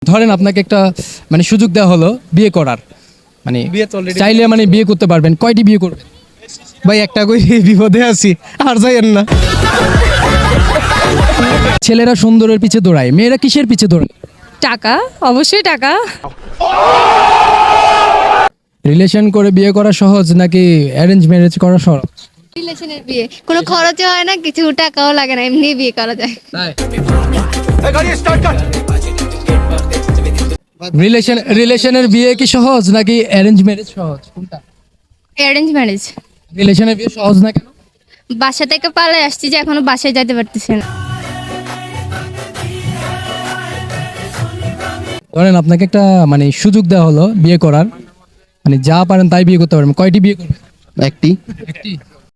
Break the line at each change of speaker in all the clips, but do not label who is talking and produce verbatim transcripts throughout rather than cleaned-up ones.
ধরেন আপনাকে একটা মানে সুযোগ দেওয়া হলো বিয়ে করার, মানে চাইলে মানে বিয়ে করতে পারবেন, কয়টি বিয়ে করবেন?
ভাই একটা কই বিপদে আছি আর যাইয়েন না।
ছেলেরা সুন্দরের পিছে দৌড়ায়, মেয়েরা কিসের পিছে দৌড়ায়?
টাকা, অবশ্যই টাকা।
রিলেশন করে বিয়ে করা সহজ নাকি অ্যারেঞ্জ ম্যারেজ করা সহজ?
রিলেশনের বিয়ে কোনো খরচও হয় না, কিছু টাকাও লাগে না, এমনি বিয়ে করা যায়।
রিলেশন রিলেশনের বিয়ে কি সহজ নাকি অ্যারেঞ্জ ম্যারেজ সহজ, কোনটা?
Arrange marriage.
রিলেশনের বিয়ে সহজ না কেন?
বাসা থেকে পালিয়ে আসছি যে এখনো বাসায় যেতে পারতেছি না।
ধরেন আপনাকে একটা মানে সুযোগ দেওয়া হলো বিয়ে করার, মানে যা পারেন তাই বিয়ে করতে পারবেন, কয়টি বিয়ে করবেন?
একটি।
একটি।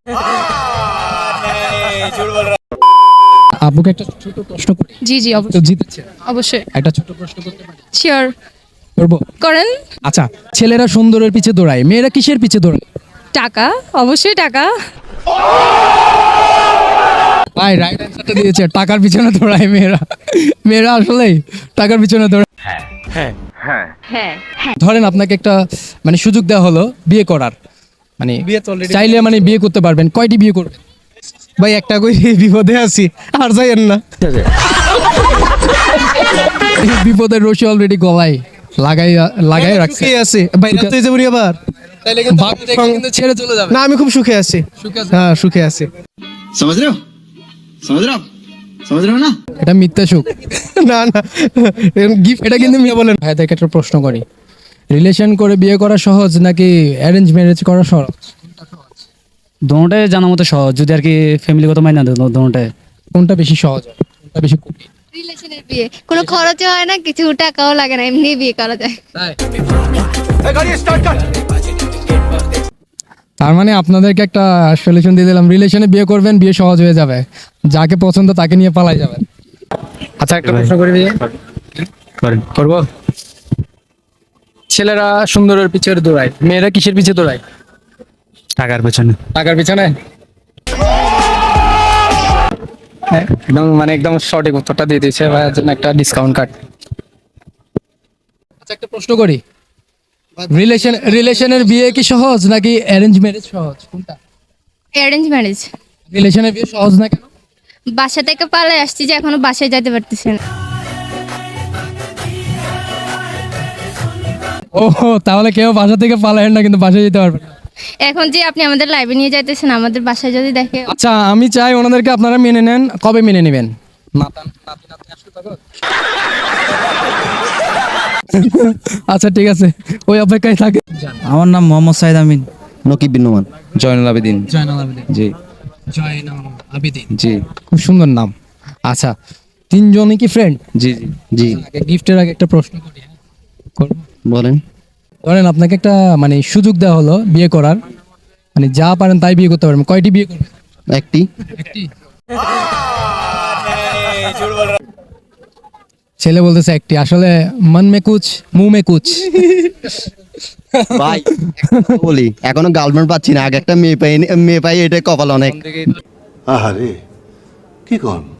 আপুকে একটা ছোট প্রশ্ন করি।
জি জি
তো
অবশ্যই
জিতেছে,
অবশ্যই
একটা ছোট প্রশ্ন করতে পারি?
শিওর
করবো।
করেন।
আচ্ছা, ছেলেরা সুন্দরের পিছে দৌড়ায়, মেয়েরা কিসের পিছে দৌড়ায়?
টাকা, অবশ্যই টাকা।
ভাই রাইট অ্যান্সারটা দিয়েছে, টাকার পিছনে দৌড়ায় মেয়েরা। মেয়েরা আসলেই টাকার পিছনে দৌড়ায়। ধরেন আপনাকে একটা মানে সুযোগ দেওয়া হলো বিয়ে করার, মানে চাইলে মানে বিয়ে করতে পারবেন, কয়টি বিয়ে করবেন?
ভাই একটা কই বিপদে আছি আর যাইয়েন না।
এই বিপদের রশি অলরেডি গলায় লাগাই লাগাই রাখছে।
সুখে আছে ভাই, রাতে যাবো নি আবার।
তাইলে কিন্তু ভাবি দেখে কিন্তু ছেড়ে চলে যাবে।
না আমি খুব সুখে আছি।
সুখে আছে?
হ্যাঁ সুখে আছি।
समझ रहे हो समझ रहे हो आप समझ रहे हो ना।
এটা মিথ্যা সুখ।
না না গিফট
এটা কিন্তু মিথ্যা বলেন। ভাই দেখে একটা প্রশ্ন করি, রিলেশন করে বিয়ে করা সহজ নাকি অ্যারেঞ্জ ম্যারেজ করা সহজ?
দোনোটাই জানা মতো সহজ, যদি আর কি ফ্যামিলিগত মাইনা দেয় দোনোটাই।
কোনটা বেশি সহজ হয়? কোনটা বেশি কঠিন?
রিলেশনের বিয়ে কোনো খরচও হয় না, কিছু টাকাও লাগে না, এমনি বিয়ে করা যায়।
তার মানে আপনাদেরকে একটা সলিউশন দিয়ে দিলাম, রিলেশনে বিয়ে করবেন, বিয়ে সহজ হয়ে যাবে, যাকে পছন্দ তাকে নিয়ে পালাই যাবেন। আচ্ছা একটা প্রশ্ন করি ভাইয়া,
করেন।
করবো। ছেলেরা সুন্দরের পিছে দৌড়ায়, মেয়েরা কিসের পিছে দৌড়ায়?
টাকার পেছনে।
টাকার পিছনে? হ্যাঁ, একদম মানে একদম সঠিক উত্তরটা দিয়ে দিয়েছে ভাইয়ার জন্য একটা ডিসকাউন্ট কার্ড। আচ্ছা একটা প্রশ্ন করি, রিলেশন রিলেশনের বিয়ে কি সহজ নাকি অ্যারেঞ্জ ম্যারেজ সহজ, কোনটা?
Arrange marriage.
রিলেশনের বিয়ে সহজ না কেন?
বাসা থেকে পালিয়ে আসছি যে এখনো বাসায় যেতে পারতেছি না।
ও তাহলে কেউ বাসা থেকে পালায় না, কিন্তু বাসায় যেতে পারবে না।
এখন যে আপনি আমাদের লাইভে নিয়ে যাইতেছেন, আমাদের বাসায় যদি দেখে।
আচ্ছা আমি চাই ওনাদেরকে আপনারা মেনে নেন, কবে মেনে নেবেন? নাতান নাতি নাতনি আসলে তখন? আচ্ছা ঠিক আছে, ওই অপেক্ষায় থাকে।
আমার নাম মোহাম্মদ সাইদ আমিন।
নকিব বিন নোমান। জয়নুল আবেদিন।
জয়নাল আবেদিন।
জি
জয়নাল আবেদিন,
জি
খুব সুন্দর নাম। আচ্ছা তিনজনই কি ফ্রেন্ড?
জি জি
আগে গিফটের আগে একটা প্রশ্ন করি, হ্যাঁ করবো।
বলেন।
ধরেন আপনাকে একটা মানে সুযোগ দেওয়া হলো বিয়ে করার, মানে যা পারেন তাই বিয়ে করতে পারবেন, কয়টি বিয়ে করবেন?
একটি।
একটি। ছেলে বলতেছে একটি, আসলে মন মে কুছ মুহ মে কুছ।
ভাই বলি এখনো গার্লফ্রেন্ড পাচ্ছি না, আগে একটা মেয়ে পাই মেয়ে পাই, এটা কপাল অনেক।
আহারে কি কন।